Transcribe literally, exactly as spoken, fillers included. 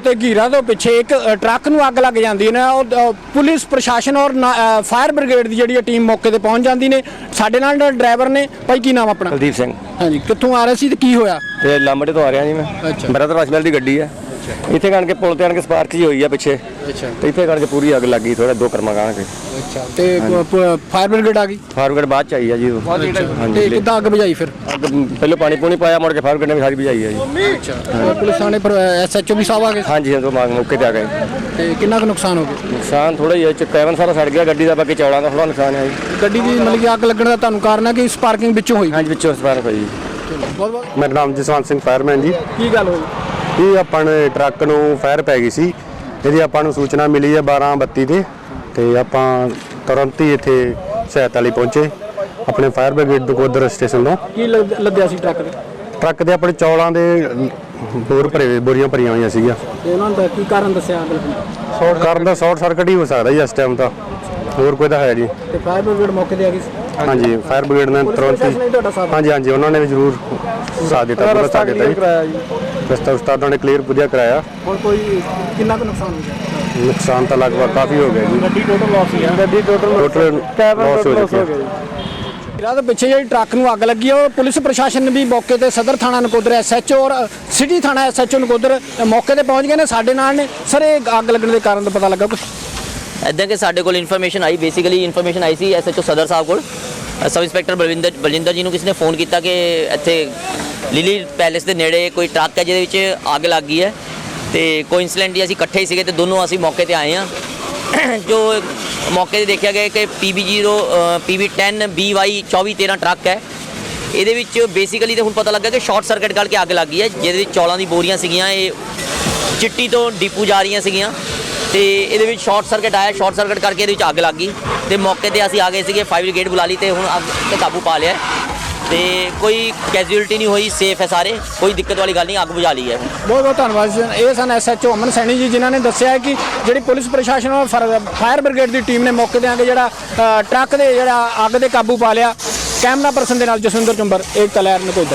ਤੇ ਘੀਰਾ ਤੋਂ ਪਿੱਛੇ ਇੱਕ ਟਰੱਕ ਨੂੰ ਅੱਗ ਲੱਗ ਜਾਂਦੀ ਨੇ। ਉਹ ਪੁਲਿਸ ਪ੍ਰਸ਼ਾਸਨ ਔਰ ਫਾਇਰ ਬ੍ਰਿਗੇਡ ਦੀ ਜਿਹੜੀ ਟੀਮ ਮੌਕੇ ਤੇ ਪਹੁੰਚ ਜਾਂਦੀ ਨੇ। ਸਾਡੇ ਨਾਲ ਡਰਾਈਵਰ ਨੇ ਭਾਈ, ਕੀ ਨਾਮ ਆਪਣਾ? ਕੁਲਦੀਪ ਸਿੰਘ। ਹਾਂਜੀ, ਕਿੱਥੋਂ ਆ ਰਹੇ ਸੀ ਤੇ ਕੀ ਹੋਇਆ? ਤੇ ਲਾਂਬੜੇ ਤੋਂ ਆ ਰਿਹਾ ਜੀ ਮੈਂ। ਅੱਛਾ। ਬ੍ਰਦਰ ਵਾਸ਼ਮੈਲ ਦੀ ਗੱਡੀ ਹੈ। ਇੱਥੇ ਕਣ ਕੇ ਪੁਲ ਤੇ ਆਣ ਕੇ ਸਪਾਰਕ ਜੀ ਹੋਈ ਆ ਪਿੱਛੇ। ਅੱਛਾ। ਤੇ ਇੱਥੇ ਕਣ ਕੇ ਪੂਰੀ ਅੱਗ ਲੱਗੀ, ਥੋੜਾ ਦੋ ਕਰਮਾ ਕਣ ਕੇ। ਅੱਛਾ। ਤੇ ਫਾਇਰ ਬ੍ਰਿਗੇਡ ਆ ਗਈ? ਫਾਇਰ ਬ੍ਰਿਗੇਡ ਬਾਅਦ ਚ ਆਈ ਆ ਜੀ। ਤੇ ਕਿੱਦਾਂ ਅੱਗ ਬੁਝਾਈ ਫਿਰ? ਅੱਗ ਪਹਿਲੇ ਪਾਣੀ ਪੂਣੀ ਪਾਇਆ, ਮੁੜ ਕੇ ਫਾਇਰ ਬ੍ਰਿਗੇਡ ਨੇ ਵੀ ਸਾਰੀ ਬੁਝਾਈ ਆ ਜੀ। ਅੱਛਾ। ਪੁਲਿਸ ਥਾਣੇ ਪਰ ਐਸਐਚਓ ਵੀ ਸਾਹਿਬ ਆ ਗਏ? ਹਾਂਜੀ ਹਾਂ, ਤੋਂ ਮੌਕੇ ਤੇ ਆ ਗਏ। ਤੇ ਕਿੰਨਾ ਕੁ ਨੁਕਸਾਨ ਹੋ ਗਿਆ? ਨੁਕਸਾਨ ਥੋੜਾ ਹੀ ਹੈ, ਕੈਬਨ ਸਾਰਾ ਸੜ ਗਿਆ ਗੱਡੀ ਦਾ, ਬਾਕੀ ਚੌਲਾਂ ਦਾ ਥੋੜਾ ਨੁਕਸਾਨ ਹੈ ਜੀ। ਗੱਡੀ ਦੀ ਮਤਲਬ ਕਿ ਅੱਗ ਲੱਗਣ ਦਾ ਤੁਹਾਨੂੰ ਕਾਰਨ ਹੈ ਕਿ ਸਪਾਰਕਿੰਗ ਵਿੱਚੋਂ ਹੋਈ? ਹਾਂਜੀ, ਵਿੱਚੋਂ ਸਪਾਰਕ ਹੋਈ। ਬਹੁਤ ਬਹੁਤ। ਮੇਰਾ ਨਾਮ ਜਸਵੰਤ ਸਿੰਘ ਫਾਇਰਮੈਨ ਜੀ। ਕੀ ਗੱਲ ਹੋਈ? ਇਹ ਆਪਾਂ ਨੇ ਟਰੱਕ ਨੂੰ ਫਾਇਰ ਪੈ ਗਈ ਸੀ। ਇਹਦੀ ਆਪਾਂ ਨੂੰ ਸੂਚਨਾ ਮਿਲੀ ਹੈ ਬਾਰਾਂ ਬੱਤੀ ਤੇ ਤੇ ਆਪਾਂ ਤੁਰੰਤ ਹੀ ਇੱਥੇ ਸਹਾਇਤਾ ਲਈ ਪਹੁੰਚੇ ਆਪਣੇ ਫਾਇਰ ਬ੍ਰਿਗੇਡ ਨਕੋਦਰ ਸਟੇਸ਼ਨ ਤੋਂ। ਕੀ ਲੱਦਿਆ ਸੀ ਟਰੱਕ ਦੇ? ਟਰੱਕ ਦੇ ਆਪਣੇ ਚੌਲਾਂ ਦੇ ਬੋਰ ਭਰੇ ਬੋਰੀਆਂ ਭਰੀਆਂ ਹੋਈਆਂ ਸੀਗੀਆਂ। ਤੇ ਉਹਨਾਂ ਦਾ ਕੀ ਕਾਰਨ ਦੱਸਿਆ ਅੱਗ ਲੱਗਣ ਦਾ? ਸ਼ਾਰਟ ਕਰਨ ਦਾ ਸ਼ਾਰਟ ਸਰਕਟ ਹੀ ਹੋ ਸਕਦਾ ਜੀ ਇਸ ਟਾਈਮ ਤਾਂ, ਹੋਰ ਕੋਈ ਤਾਂ ਹੈ ਜੀ। ਤੇ ਫਾਇਰ ਬ੍ਰਿਗੇਡ ਮੌਕੇ ਤੇ ਆ ਗਈ ਸੀ? ਹਾਂਜੀ, ਫਾਇਰ ਬ੍ਰਿਗੇਡ ਨੇ ਤੁਰੰਤ ਹੀ, ਹਾਂਜੀ ਹਾਂਜੀ, ਉਹਨਾਂ ਨੇ ਵੀ ਜ਼ਰੂਰ ਸਾਥ ਦਿੱਤਾ, ਪੂਰਾ ਸਾਥ ਦਿੱਤਾ ਜੀ। ਰਸਤਾ ਉਸਤਾਦਾਂ ਨੇ ਕਲੀਅਰ ਵਧੀਆ ਕਰਾਇਆ। ਹੋਰ ਕੋਈ ਕਿੰਨਾ ਕੁ ਨੁਕਸਾਨ ਹੋ ਗਿਆ? ਨੁਕਸਾਨ ਤਾਂ ਲਗਭਗ ਕਾਫੀ ਹੋ ਗਿਆ ਜੀ। ਗੱਡੀ ਟੋਟਲ ਲਾਸ ਹੀ ਆ? ਗੱਡੀ ਟੋਟਲ ਟੋਟਲ ਲਾਸ ਹੋ ਚੁੱਕੀ ਹੈ। ਇਹਨਾਂ ਦੇ ਪਿੱਛੇ ਜਿਹੜੀ ਟਰੱਕ ਨੂੰ ਅੱਗ ਲੱਗੀ ਉਹ ਪੁਲਿਸ ਪ੍ਰਸ਼ਾਸਨ ਨੇ ਵੀ ਮੌਕੇ ਤੇ ਸਦਰ ਥਾਣਾ ਨਕੋਦਰ ਐਸਐਚਓ ਔਰ ਸਿਟੀ ਥਾਣਾ ਐਸਐਚਓ ਨਕੋਦਰ ਮੌਕੇ ਤੇ ਪਹੁੰਚ ਗਏ ਨੇ। ਸਾਡੇ ਨਾਲ ਨੇ ਸਰ, ਇਹ ਅੱਗ ਲੱਗਣ ਦੇ ਕਾਰਨ ਦਾ ਪਤਾ ਲੱਗਾ ਕੁਝ? ਇੱਦਾਂ ਕਿ ਸਾਡੇ ਕੋਲ ਇਨਫੋਰਮੇਸ਼ਨ ਆਈ, ਬੇਸਿਕਲੀ ਇਨਫੋਰਮੇਸ਼ਨ ਆਈ ਸੀ ਐਸਐਚਓ ਸਦਰ ਸਾਹਿਬ ਕੋਲ। ਸਬ ਇੰਸਪੈਕਟਰ ਬਲਵਿੰਦਰ ਬਲਜਿੰਦਰ ਜੀ ਨੂੰ ਕਿਸੇ ਨੇ ਫੋਨ ਕੀਤਾ ਕਿ ਇੱਥੇ ਲਿਲੀ ਪੈਲੇਸ ਦੇ ਨੇੜੇ ਕੋਈ ਟਰੱਕ ਹੈ ਜਿਹਦੇ ਵਿੱਚ ਅੱਗ ਲੱਗ ਗਈ ਹੈ। ਤੇ ਕੋਇਨਸੀਡੈਂਟਲੀ ਅਸੀਂ ਇਕੱਠੇ ਹੀ ਸੀਗੇ ਤੇ ਦੋਨੋਂ ਅਸੀਂ ਮੌਕੇ ਤੇ ਆਏ ਹਾਂ। ਜੋ ਮੌਕੇ ਤੇ ਦੇਖਿਆ ਗਿਆ ਕਿ P B zero P B ten B Y ਚੌਵੀ ਤੇਰ੍ਹਾਂ ਟਰੱਕ ਹੈ। ਇਹਦੇ ਵਿੱਚ ਬੇਸਿਕਲੀ ਤਾਂ ਹੁਣ ਪਤਾ ਲੱਗਾ ਕਿ ਸ਼ਾਰਟ ਸਰਕਟ ਕਰਕੇ ਅੱਗ ਲੱਗ ਗਈ ਹੈ, ਜਿਹਦੇ ਵਿੱਚ ਚੌਲਾਂ ਦੀ ਬੋਰੀਆਂ ਸੀਗੀਆਂ, ਇਹ ਚਿੱਟੀ ਤੋਂ ਡੀਪੂ ਜਾ ਰਹੀਆਂ ਸੀਗੀਆਂ ਤੇ ਇਹਦੇ ਵਿੱਚ ਸ਼ਾਰਟ ਸਰਕਟ ਆਇਆ। ਸ਼ਾਰਟ ਸਰਕਟ ਕਰਕੇ ਇਹਦੇ ਵਿੱਚ ਅੱਗ ਲੱਗ ਗਈ ਤੇ ਮੌਕੇ ਤੇ ਅਸੀਂ ਆ ਗਏ ਸੀਗੇ, ਫਾਇਰ ਬ੍ਰਿਗੇਡ ਬੁਲਾ ਲਈ ਤੇ ਹੁਣ ਅੱਗ ਤੇ ਕਾਬੂ ਪਾ ਲਿਆ ਤੇ ਕੋਈ ਕੈਜੂਅਲਟੀ ਨਹੀਂ ਹੋਈ, ਸੇਫ ਹੈ ਸਾਰੇ, ਕੋਈ ਦਿੱਕਤ ਵਾਲੀ ਗੱਲ ਨਹੀਂ, ਅੱਗ ਬੁਝਾ ਲਈ ਹੈ। ਬਹੁਤ ਬਹੁਤ ਧੰਨਵਾਦ ਜੀ। ਇਹ ਸਨ ਐਸਐਚਓ ਅਮਨ ਸੈਣੀ ਜੀ, ਜਿਨ੍ਹਾਂ ਨੇ ਦੱਸਿਆ ਕਿ ਜਿਹੜੀ ਪੁਲਿਸ ਪ੍ਰਸ਼ਾਸਨ ਔਰ ਫਾਇਰ ਬ੍ਰਿਗੇਡ ਦੀ ਟੀਮ ਨੇ ਮੌਕੇ ਤੇ ਆ ਕੇ ਜਿਹੜਾ ਟਰੱਕ ਦੇ ਜਿਹੜਾ ਅੱਗ ਦੇ ਕਾਬੂ ਪਾ ਲਿਆ। ਕੈਮਰਾ ਪਰਸਨ ਦੇ ਨਾਲ ਜਸਵਿੰਦਰ ਚੁੰਬਰ, ਏਕਤਾ ਲਹਿਰ ਨਕੋਦਰ।